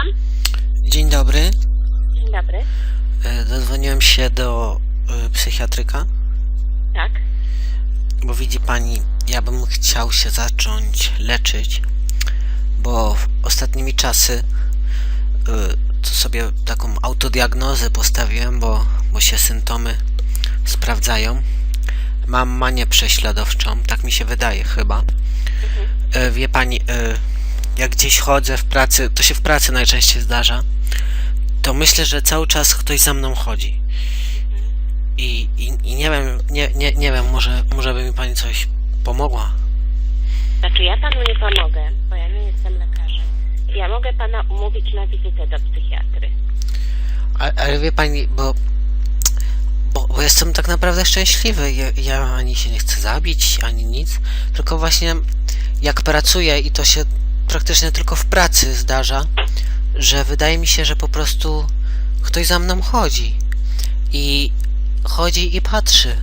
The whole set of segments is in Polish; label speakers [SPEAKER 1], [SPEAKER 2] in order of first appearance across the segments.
[SPEAKER 1] Słucham?
[SPEAKER 2] Dzień dobry.
[SPEAKER 1] Dzień dobry.
[SPEAKER 2] Dodzwoniłem się do psychiatryka,
[SPEAKER 1] Tak.
[SPEAKER 2] bo widzi pani, ja bym chciał się zacząć leczyć, bo ostatnimi czasy to sobie taką autodiagnozę postawiłem, bo się symptomy sprawdzają. Mam manię prześladowczą, tak mi się wydaje chyba. Wie pani, jak gdzieś chodzę w pracy, to się w pracy najczęściej zdarza, to myślę, że cały czas ktoś za mną chodzi. I nie wiem, nie wiem, może by mi pani coś pomogła.
[SPEAKER 1] Znaczy ja panu nie pomogę, bo ja nie jestem lekarzem. Ja mogę pana umówić na wizytę do psychiatry.
[SPEAKER 2] Ale wie pani, bo jestem tak naprawdę szczęśliwy. Ja ani się nie chcę zabić, ani nic. Tylko właśnie jak pracuję i to się praktycznie tylko w pracy zdarza, że wydaje mi się, że po prostu ktoś za mną chodzi. I chodzi i patrzy.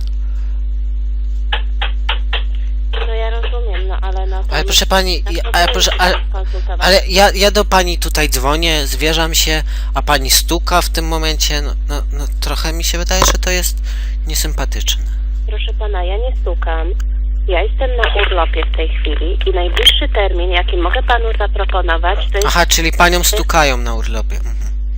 [SPEAKER 1] No ja rozumiem, no ale no to...
[SPEAKER 2] Ale proszę pani,
[SPEAKER 1] konsultować.
[SPEAKER 2] ale ja do pani tutaj dzwonię, zwierzam się, a pani stuka w tym momencie. No trochę mi się wydaje, że to jest niesympatyczne.
[SPEAKER 1] Proszę pana, ja nie stukam. Ja jestem na urlopie w tej chwili i najbliższy termin, jaki mogę panu zaproponować, to jest...
[SPEAKER 2] Aha, czyli panią stukają na urlopie. Mhm.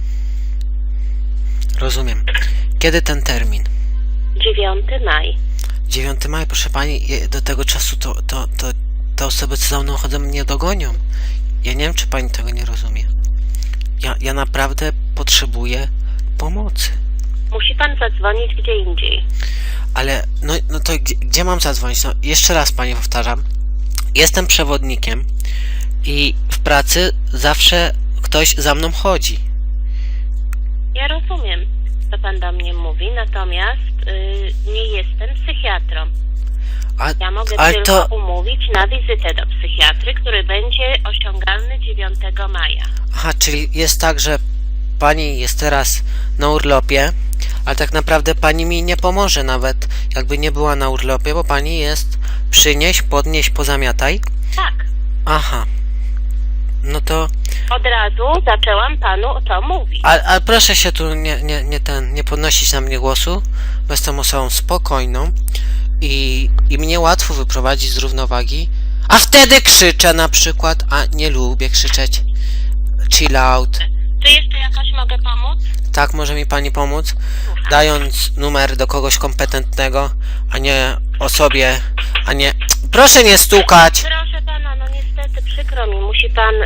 [SPEAKER 2] Rozumiem. Kiedy ten termin?
[SPEAKER 1] 9 maj.
[SPEAKER 2] 9 maja, proszę pani, do tego czasu to te osoby, co za mną chodzą, mnie dogonią. Ja nie wiem, czy pani tego nie rozumie. Ja naprawdę potrzebuję pomocy.
[SPEAKER 1] Musi pan zadzwonić gdzie indziej.
[SPEAKER 2] Ale, no to gdzie mam zadzwonić? No, jeszcze raz pani powtarzam. Jestem przewodnikiem i w pracy zawsze ktoś za mną chodzi.
[SPEAKER 1] Ja rozumiem, co pan do mnie mówi, natomiast nie jestem psychiatrą. Ja mogę tylko umówić na wizytę do psychiatry, który będzie osiągalny 9 maja.
[SPEAKER 2] Aha, czyli jest tak, że pani jest teraz na urlopie, ale tak naprawdę pani mi nie pomoże nawet, jakby nie była na urlopie, bo pani jest przynieś, podnieś, pozamiataj.
[SPEAKER 1] Tak.
[SPEAKER 2] Aha. No to...
[SPEAKER 1] Od razu zaczęłam panu to mówić.
[SPEAKER 2] Ale proszę się tu nie podnosić na mnie głosu, bo jestem osobą spokojną i mnie łatwo wyprowadzić z równowagi, a wtedy krzyczę na przykład, a nie lubię krzyczeć. Chill out.
[SPEAKER 1] Czy jeszcze jakoś mogę pomóc?
[SPEAKER 2] Tak, może mi pani pomóc, dając numer do kogoś kompetentnego, a nie osobie, a nie... Proszę nie stukać!
[SPEAKER 1] Proszę pana, no niestety przykro mi, musi pan...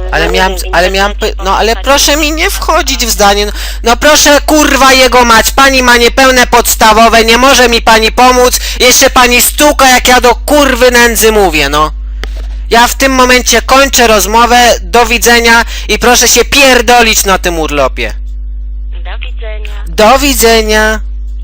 [SPEAKER 2] ale proszę mi nie wchodzić w zdanie, no proszę kurwa jego mać, pani ma niepełne podstawowe, nie może mi pani pomóc, jeszcze pani stuka jak ja do kurwy nędzy mówię, no. Ja w tym momencie kończę rozmowę, do widzenia i proszę się pierdolić na tym urlopie.
[SPEAKER 1] Do widzenia.
[SPEAKER 2] Do widzenia.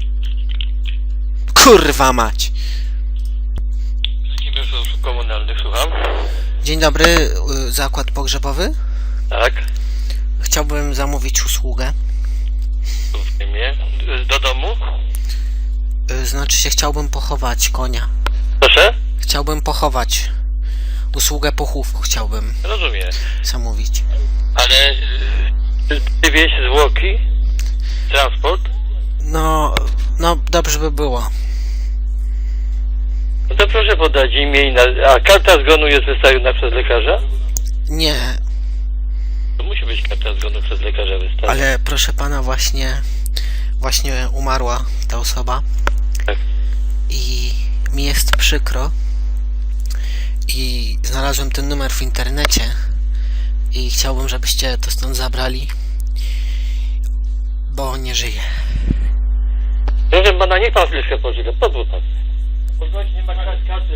[SPEAKER 2] Kurwa mać.
[SPEAKER 3] Przedsiębiorstwo usług komunalnych, słucham.
[SPEAKER 2] Dzień dobry, zakład pogrzebowy.
[SPEAKER 3] Tak.
[SPEAKER 2] Chciałbym zamówić usługę.
[SPEAKER 3] W imię. Do domu?
[SPEAKER 2] Znaczy się chciałbym pochować konia.
[SPEAKER 3] Proszę?
[SPEAKER 2] Chciałbym pochować. Usługę pochówku chciałbym
[SPEAKER 3] Rozumiem.
[SPEAKER 2] zamówić.
[SPEAKER 3] Ale ty wieś zwłoki? Transport?
[SPEAKER 2] No dobrze by było.
[SPEAKER 3] No to proszę podać imię i a karta zgonu jest wystawiona przez lekarza?
[SPEAKER 2] Nie,
[SPEAKER 3] To musi być karta zgonu przez lekarza wystawiona.
[SPEAKER 2] ale proszę pana, właśnie umarła ta osoba.
[SPEAKER 3] Tak.
[SPEAKER 2] I mi jest przykro. I znalazłem ten numer w internecie i chciałbym, żebyście to stąd zabrali, bo nie żyje.
[SPEAKER 3] Proszę pana, niech pan chwileczkę poczeka. Pozwól pan. Pozwól, nie ma karty.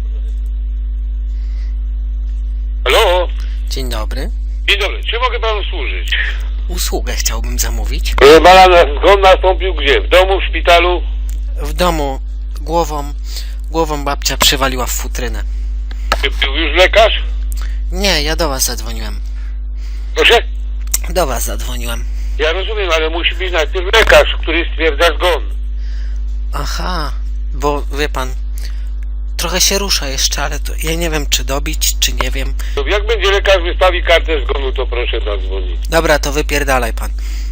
[SPEAKER 3] Halo?
[SPEAKER 2] Dzień dobry.
[SPEAKER 4] Dzień dobry, czy mogę panu służyć?
[SPEAKER 2] Usługę chciałbym zamówić.
[SPEAKER 4] Proszę pana, zgon nastąpił gdzie? W domu, w szpitalu?
[SPEAKER 2] W domu głową babcia przywaliła w futrynę.
[SPEAKER 4] Czy był już lekarz?
[SPEAKER 2] Nie, ja do was zadzwoniłem.
[SPEAKER 4] Proszę?
[SPEAKER 2] Do was zadzwoniłem.
[SPEAKER 4] Ja rozumiem, ale musi być najpierw lekarz, który stwierdza zgon.
[SPEAKER 2] Aha, bo wie pan, trochę się rusza jeszcze, ale to ja nie wiem, czy dobić, czy nie wiem.
[SPEAKER 4] To jak będzie lekarz wystawi kartę zgonu, to proszę zadzwonić.
[SPEAKER 2] Dobra, to wypierdalaj pan.